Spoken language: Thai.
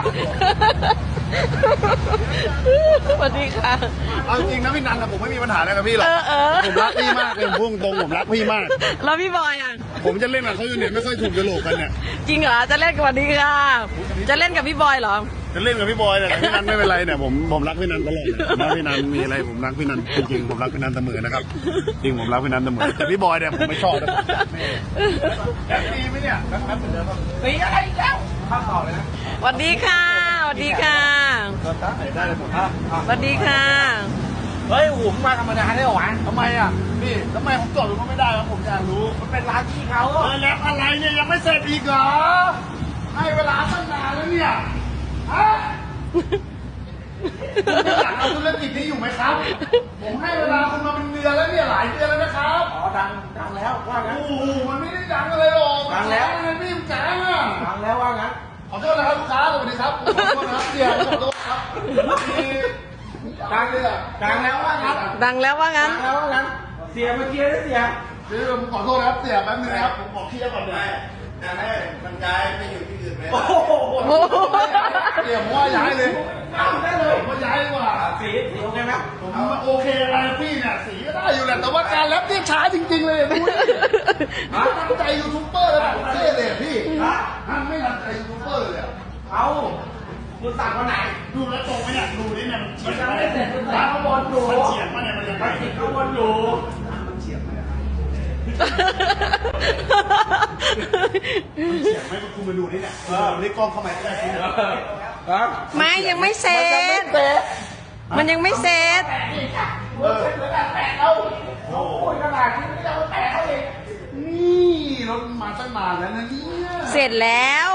สวัสดีค่ะเอาจริงนะพี่นันผมไม่มีปัญหาอะไรกับพี่หรอกผมรักพี่มากเลยพุ่งตรงผมรักพี่มากแล้วพี่บอยอ่ะผมจะเล่นกับเขาอยู่เนี่ยไม่ค่อยถูกกระโหลกกันเนี่ยจริงเหรอจะเล่นกับวันนี้ค่ะจะเล่นกับพี่บอยเหรอจะเล่นกับพี่บอยแต่พี่นันไม่เป็นไรเนี่ยผมรักพี่นันตลอดผมรักพี่นันมีอะไรผมรักพี่นันจริงๆผมรักพี่นันเสมอนะครับจริงผมรักพี่นันเสมอแต่พี่บอยเนี่ยผมไม่ชอบนะแอบดีไหมเนี่ยแป๊บๆเหมือนเดิมตีอะไรแล้วข้าวต่อเลยนะสวัสดีค่ะสวัสดีค่ะได้เลยผมสวัสดีค่ะเฮ้ยผมมาธรรมดาได้หรอวะทำไมอ่ะพี่ทำไมผมจอดรถก็ไม่ได้ครับผมอยากรู้มันเป็นร้านที่เขาแล้วอะไรเนี่ยยังไม่เสร็จอีกเหรอให้เวลาตั้งนานแล้วเนี่ยฮะคุณอยากเอาธุรกิจนี้อยู่ไหมครับผมให้เวลาคุณมาเป็นเดือนแล้วเนี่ยหลายเดือนแล้วนะครับอ๋อดังแล้วว่างั้นโอ้โหมันไม่ได้ดังอะไรหรอกดังแล้วมันไม่ดังอ่ะดังแล้วว่างั้นขอโทษนะครับลูกค้าสวัสดีครับขอโทษนะครับเดี๋ยวขอโทษครับดังเลยอ่ะดังแล้วว่างั้นดังแล้วว่างั้นดังแล้วว่างั้นเสียเมื่อกี้นะเสียเดี๋ยวผมขอโทษนะครับเสียแป๊บนึงนะครับผมขอเคลียร์ก่อนเลยจะให้มันย้ายไปอยู่ที่อื่นไหมโอ้โหเดี๋ยวผมว่าย้ายเลยได้เลยผมว่าย้ายดีกว่าสีโอเคไหมผมโอเคอะไรพี่เนี่ยสีก็ได้อยู่แหละแต่ว่าการแรปเนี่ยช้าจริงๆเลยดูดิตั้งใจยูทูบเบอร์แล้วแบบเท่เลยพี่ไม่ตั้งใจยูทูบเบอร์เลยเอาคุณสั่งวันไหนดูแล้วตรงไหมเนี่ยดูนี่เนี่ยมันเฉียงไม่เสร็จคุณสั่งข้างบนอยู่มันเฉียงมาเนี่ยมันยังไงติดข้างบนอยู่มันเฉียงไหมเฉียงไหมคุณมาดูนี่เนี่ยนี่กล้องเข้ามาได้สิไม่ยังไม่เสร็จมันยังไม่เสร็จแตะเราโอ้ยขนาดนี้ไม่ได้มาแตะเขาเองนี่รถมาตั้งนานแล้วนะเนี่ยเสร็จแล้ว